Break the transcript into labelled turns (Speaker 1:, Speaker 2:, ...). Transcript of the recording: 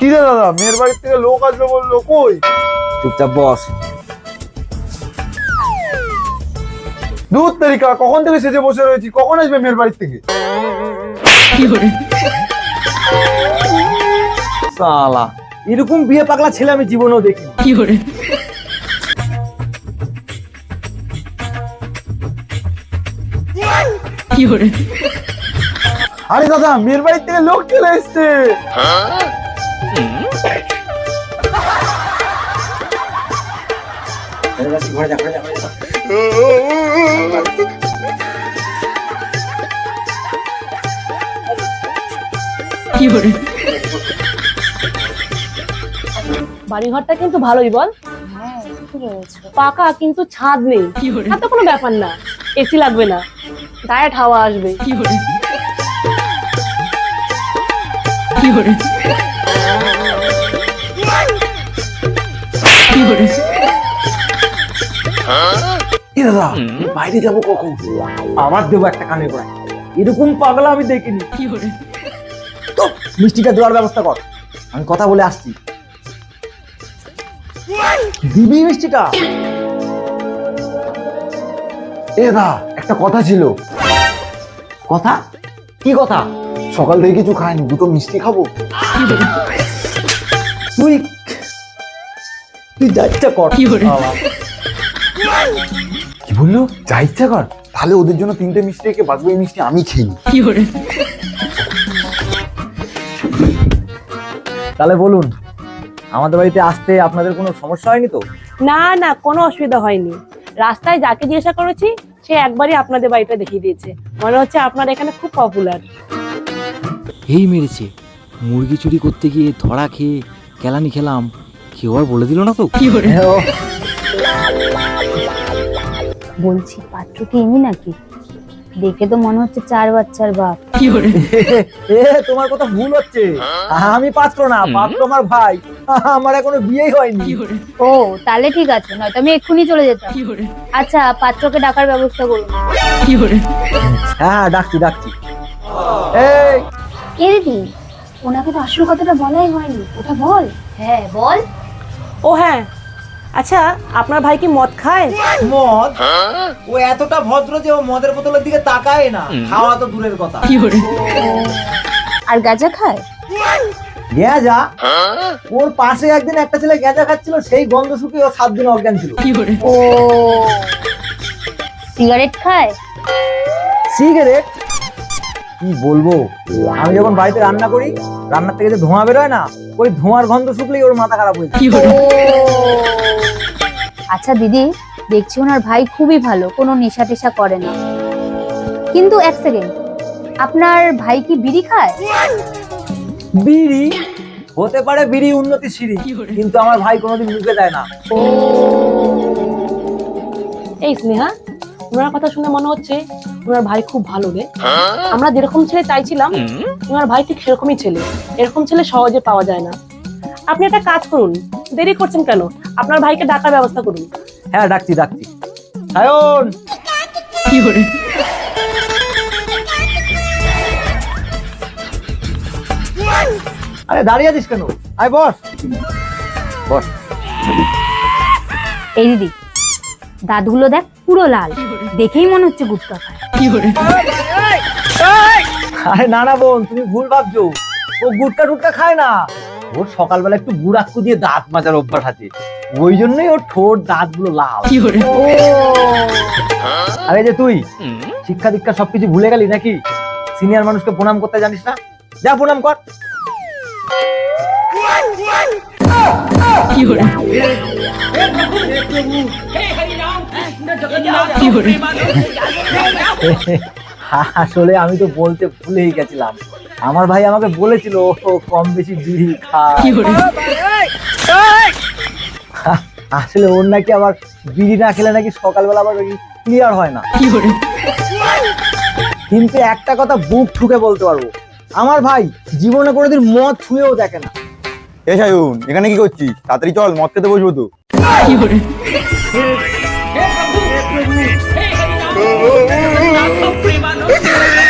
Speaker 1: কি রে দাদা, মেয়ের বাড়ির থেকে লোক আসবে বললো, কই?
Speaker 2: চুপচাপ বস।
Speaker 1: দুধ তারিকা, কখন থেকে সেজে বসে রয়েছি, কখন আসবে মেয়ের বাড়ির থেকে?
Speaker 2: শালা, এরকম বিয়ে পাগলা ছেলে আমি জীবনেও দেখি।
Speaker 1: আরে দাদা, মেয়ের বাড়ির থেকে লোক চলে এসছে।
Speaker 3: বাড়িঘরটা কিন্তু ভালোই বল। পাকা, কিন্তু ছাদ নেই। তো কোনো ব্যাপার না, এসি লাগবে না, ডায়েট হাওয়া আসবে।
Speaker 2: দাদা, বাইরে যাবো কখন? আবার দেবো একটা কানে গোড়ায়। এরকম পাগলা আমি দেখিনি। তো মিষ্টিটা দেওয়ার ব্যবস্থা কর, আমি কথা বলে আসছি। দিবি মিষ্টিটা?
Speaker 1: এ দা, একটা কথা ছিল।
Speaker 2: কথা? কি কথা?
Speaker 1: সকাল থেকে কিছু খাইনি, দুটো মিষ্টি খাবো।
Speaker 2: তুই তুই যা ইচ্ছা কর।
Speaker 1: কি বললো? যা ইচ্ছা কর? তাহলে ওদের জন্য 3টে মিষ্টি রেখে বাকি মিষ্টি আমি খেয়ে নিই।
Speaker 2: তাহলে বলুন, আমাদের বাড়িতে আসতে আপনাদের কোনো সমস্যা হয়নি তো?
Speaker 3: না না, কোনো অসুবিধা হয়নি। রাস্তায় যাকে জিজ্ঞাসা করেছি সে একবারই আপনাদের বাড়িটা দেখিয়ে দিয়েছে। মনে হচ্ছে আপনার এখানে খুব পপুলার।
Speaker 4: এই মেরেছে, মুরগি চুরি করতে গিয়ে ধরা খেয়ে কেলানি খেলাম, কেউ আর বলে দিল না তো?
Speaker 5: বলছি, পাত্র কি এমনি নাকি? দেখে তো মনে হচ্ছে 4 বাচ্চার বাপ।
Speaker 2: তোমার কথা ভুল হচ্ছে। আমি পাত্র না, পাত্র আমার ভাই। আমার এখনো বিয়েই হয়নি।
Speaker 5: ও, তাহলে ঠিক আছে, নয়তো আমি এক্ষুনি চলে যেতাম। আচ্ছা, পাত্রকে ডাকার ব্যবস্থা করুন।
Speaker 2: হ্যাঁ, ডাকছি।
Speaker 5: এই দিদি, ওনাকে তো আসল কথাটা বলাই হয়নি, ওটা বল। হ্যাঁ বল।
Speaker 3: ও হ্যাঁ, আচ্ছা আপনার ভাই কি মদ খায়?
Speaker 2: মদ? ও এতটা ভদ্র যে ও মদের বোতলের দিকে তাকায় না, খাওয়া তো দূরের কথা।
Speaker 5: আর গাঁজা খায়?
Speaker 2: গেঁজা? ওর পাশে একদিন একটা ছেলে গেঁজা খাচ্ছিল, সেই গন্ধ শুকিয়ে ও 7 দিন অজ্ঞান ছিল।
Speaker 5: ও, সিগারেট খায়?
Speaker 2: সিগারেট? কি বলবো, আমি যখন বাড়িতে রান্না করি, রান্নার থেকে যে ধোঁয়া বেরোয় না, ওই ধোঁয়ার গন্ধ শুকলেই ওর মাথা খারাপ হয়ে যায়।
Speaker 5: আচ্ছা দিদি, দেখছি ওনার ভাই খুবই ভালো, কোনো নেশা টেশা করে না। কিন্তু এক সেকেন্ড, আপনার ভাই কি বিড়ি খায়?
Speaker 2: বিড়ি হতে পারে, বিড়ি উন্নতি সিঁড়ি, কিন্তু আমার ভাই কোনোদিন মুখে দেয় না।
Speaker 3: এই স্নেহা, ওনার কথা শুনে মনে হচ্ছে ওনার ভাই খুব ভালো রে। আমরা যেরকম ছেলে চাইছিলাম, ওনার ভাই ঠিক সেরকমই ছেলে। এরকম ছেলে সহজে পাওয়া যায় না। আপনি একটা কাজ করুন, দেরি করছেন কেন? আপনার ভাইকে ডাকার ব্যবস্থা করুন।
Speaker 2: হ্যাঁ, ডাকছি। সায়ন! আরে দাঁড়িয়ে আছিস কেন? আয় বস।
Speaker 5: এই দিদি, দাঁতগুলো দেখ, পুরো লাল, দেখেই মনে হচ্ছে গুটকা খায়।
Speaker 2: আরে না বোন, তুমি ভুল ভাবছো। ও গুটকা টুটকা খায় না। ওর সকালবেলা একটু গুড়াক্কু দিয়ে দাঁত মাজার অভ্যাস আছে, ওই জন্যই ওর ঠোঁট দাঁতগুলো লাল। আরে যে তুই শিক্ষা দীক্ষা সবকিছু ভুলে গেলি নাকি? সিনিয়র মানুষকে প্রণাম করতে জানিস না? যা প্রণাম কর। আসলে আমি তো বলতে ভুলেই গেছিলাম, আমার ভাই আমাকে বলেছিল ও কম বেশি বিড়ি খায়। আসলে ওর নাকি আবার বিড়ি না খেলে নাকি সকালবেলা আবার ক্লিয়ার হয় না। কিন্তু একটা কথা বুক ঠুকে বলতে পারবো, আমার ভাই জীবনে কোনোদিন মদ ছুঁয়েও দেখে না।
Speaker 1: এ সায়ন, এখানে কি করছিস? তাড়াতাড়ি চল, মদ খেতে বসবো তো।